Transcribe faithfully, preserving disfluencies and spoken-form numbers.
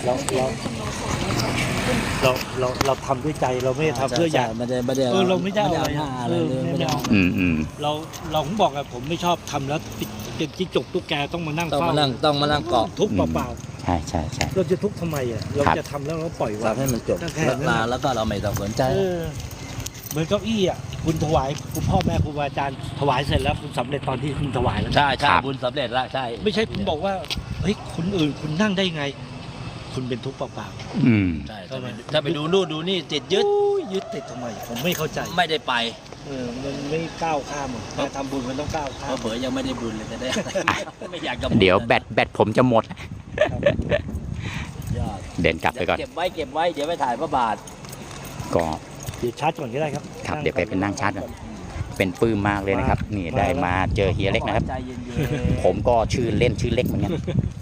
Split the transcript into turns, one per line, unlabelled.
เราเราเราเราเราทำด้วยใจเราไม่ได้ทำเพื่ออยาก
ไม่ได้ไม่ได้
เออเราไม่ได้
ไม่ได้
เอา
เอาหน้าอะไรเลย
เออ
ไม่ได้เอา
อืมอืม
เราเราผมบอกอะผมไม่ชอบทำแล้วติดเป็นจิ้งจกตุ๊กแกต้องมานั่ง
ต้อง
เฝ้า
มานั่งต้องมานั่งเกาะ
ทุบเปล่า
ใช่ใช่ใช่
ๆเราจะทุบทำไมอะเรา
ครับ
จะทำแล้วเราปล่อยไว้
ทำให้มันจบ
แค่นั้น
แล้วลาแล้วก็เราไม่ต้องสนใจ
เออเหมือนเก้าอี้อ่ะคุณถวายคุณพ่อแม่ครูบาอาจารย์ถวายเสร็จแล้วคุณสำเร็จตอนที่คุณถวายแล้ว
ใช่ใช่บุญสำเร็จแล้วใช่
ไม่ใช่คุณบอกว่าเฮ้ยคนอื่นคุณนั่งได้ไง คุณเป็นทุกข์เปล่า
อืม
ใช่ถ้าไปถ้าไปดูนู่นดูนี่ติด
ๆ
ยึด
โอ้ยยึดติดทำไมผมไม่เข้าใจ
ไม่ได้ไป
เออมันไม่ก้าวข้ามอะการทำบุญมันต้องก้าวข้าม
เผลอๆยังไม่ได้บุญเลยจะได้ ไม่อยากจะ
เดี๋ยวแบตแบตผมจะหมด
ยอด
เดินกลับไปก่อน
เก็บไว้เก็บไว้เดี๋ยวไปถ่ายพระบาท
ก็
เดี๋ยวชาร์จก่อนก็ได้ครับ
ครับเดี๋ยวไปเป็นนั่งชาร์จก่อนเป็นปลื้มมากเลยนะครับ นี่ได้มาเจอเฮียเล็กนะครับ
ใจเย็นๆ
ผมก็ชื่อเล่นชื่อเล็กเหมือนกัน